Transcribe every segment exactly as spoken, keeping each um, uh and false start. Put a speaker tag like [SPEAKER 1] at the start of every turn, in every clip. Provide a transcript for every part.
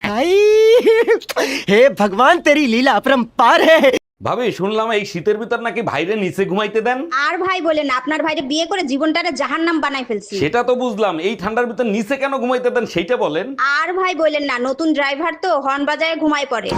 [SPEAKER 1] हाय हे भगवान तेरी लीला अपरंपार है।
[SPEAKER 2] ভাবি শুনলাম এই শীতের ভিতর নাকি ভাইরে নিচে ঘুমাইতে দেন।
[SPEAKER 3] আর ভাই বলেন, আপনার ভাইরে বিয়ে করে জীবনটারে জাহান্নাম বানাই ফেলছি।
[SPEAKER 2] সেটা তো বুঝলাম, এই ঠান্ডার ভিতর নিচে কেন ঘুমাইতে দেন সেইটা বলেন।
[SPEAKER 3] আর ভাই বলেন না, নতুন ড্রাইভার তো হর্ন বাজায় ঘুমায় পড়ে।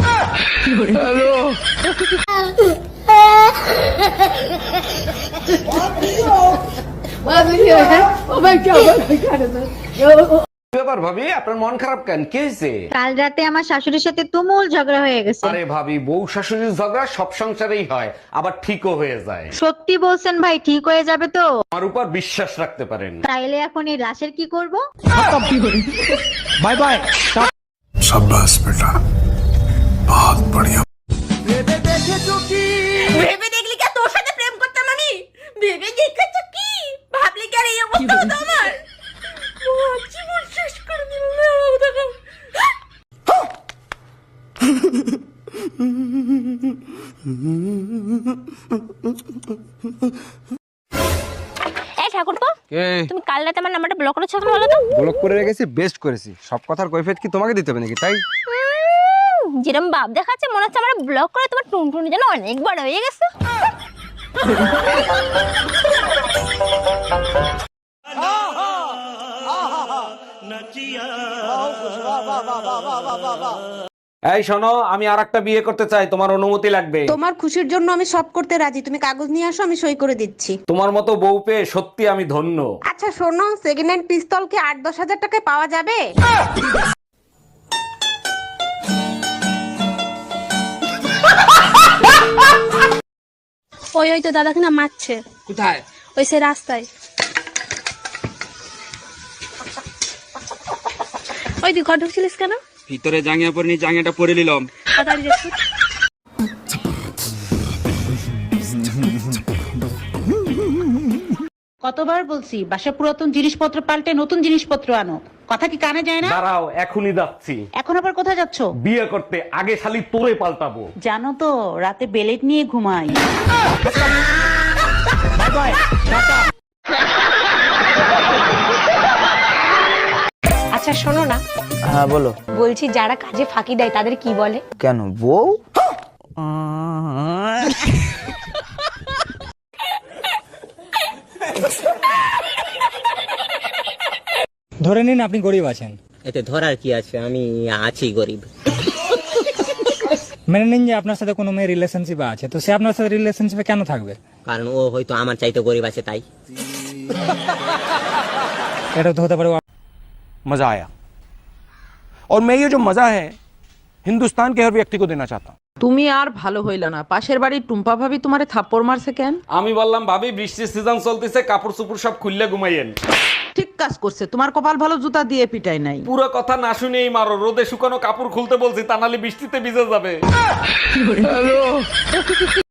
[SPEAKER 2] ব্যাপার ভাবি, আপনার মন খারাপ কেন? কি হয়েছে?
[SPEAKER 4] কাল রাতে আমার শাশুড়ির সাথে তুমুল ঝগড়া হয়ে গেছে।
[SPEAKER 2] আরে ভাবি, বউ শাশুড়ির ঝগড়া সব সংসারেই হয়, আবার ঠিকও হয়ে যায়।
[SPEAKER 4] সত্যি বলছেন ভাই? ঠিক হয়ে যাবে তো?
[SPEAKER 2] আমার উপর বিশ্বাস রাখতে পারেন।
[SPEAKER 4] তাইলে এখন এই লাশের কি করব?
[SPEAKER 1] Bye bye.
[SPEAKER 5] शाबाश बेटा, बहुत बढ़िया।
[SPEAKER 3] ভেবে দেখলি কি তোর সাথে প্রেম করতাম আমি? ভেবে দেখেছ কি? ভাবলি কি আর এই অবস্থা হতো আমার? জীবন শেষ করে দিল।
[SPEAKER 6] এই ঠাকুরপো, তুমি কাল রাতে আমার নাম্বারটা ব্লক করেছো কেন বলো তো?
[SPEAKER 7] ব্লক করে রেখেছি, বেস্ট করেছি। সব কথার কৈফিয়ত কি তোমাকে দিতে হবে নাকি? তাই
[SPEAKER 6] যেরকম ভাব দেখাচ্ছে মনে হচ্ছে আমার ব্লক করে তোমার টুনটুনি যেন অনেক বড় হয়ে গেছে।
[SPEAKER 2] এই শোনো, আমি আর একটা বিয়ে করতে চাই, তোমার অনুমতি লাগবে।
[SPEAKER 3] তোমার খুশির জন্য আমি সব করতে রাজি, তুমি কাগজ নিয়ে আসো, আমি সই করে দিচ্ছি।
[SPEAKER 2] তোমার মতো বউ পেয়ে সত্যি আমি ধন্য।
[SPEAKER 3] আচ্ছা শোনো, সেকেন্ড হ্যান্ড পিস্তল কি আট দশ হাজার টাকায় পাওয়া যাবে?
[SPEAKER 8] ওই ওই তো দাদাকে না মারছে।
[SPEAKER 7] কোথায়?
[SPEAKER 8] ওই সে রাস্তায়। ওই তুই ঘর ঢুকছিলিস কেন?
[SPEAKER 7] ভিতরে জাঙ্গিয়া পরে নি, জাঙ্গিয়াটা পরে নিলাম।
[SPEAKER 8] তাড়াতাড়ি দেখো।
[SPEAKER 9] কতবার বলছি বাসা পুরাতন জিনিসপত্র পাল্টে নতুন জিনিসপত্র আনো, কথা কি কানে যায় না?
[SPEAKER 2] দাঁড়াও, এখনই যাচ্ছি।
[SPEAKER 9] এখন আবার কোথায় যাচ্ছ?
[SPEAKER 2] বিয়ে করতে। আগে শালি তোরে পাল্টাবো।
[SPEAKER 9] জানো তো রাতে বেলেট নিয়ে ঘুমাই।
[SPEAKER 6] আচ্ছা শোনো না,
[SPEAKER 1] हाँ बोलो।
[SPEAKER 6] বলছি যারা কাজে ফাঁকি দেয় তাদের কি বলে?
[SPEAKER 1] क्या नो वो
[SPEAKER 10] ধরে নিন আপনি গরিব আছেন।
[SPEAKER 1] এতে ধরার কি আছে, আমি আছি গরিব।
[SPEAKER 10] মেনে নিন যে আপনার সাথে কোনো মেয়ে রিলেশনশিপে আছে, তো সে আপনার সাথে রিলেশনশিপে কেন থাকবে?
[SPEAKER 1] কারণ ও হয়তো আমার চাইতে গরিব আছে তাই।
[SPEAKER 10] এটা তো হতে পারে
[SPEAKER 7] मजा आया, और मैं ये जो मजा है हिंदुस्तान के हर व्यक्ति को देना चाहता हूँ।
[SPEAKER 9] তুমি আর ভালো হইল না, পাশের বাড়ির টুম্পা ভাবি তোমারে থাপ্পড় মারছে কেন?
[SPEAKER 2] আমি বললাম ভাবি বৃষ্টির সিজন চলতেছে, কাপড় চোপড় সব খুললে ঘুমাইয়েন।
[SPEAKER 9] ঠিক কাজ করছে, তোমার কপাল ভালো জুতা দিয়ে পিটাই নাই।
[SPEAKER 2] পুরো কথা না শুনেই মারো, রোদে শুকানো কাপড় খুলতে বলছি, তা নাহলে বৃষ্টিতে ভিজে যাবে।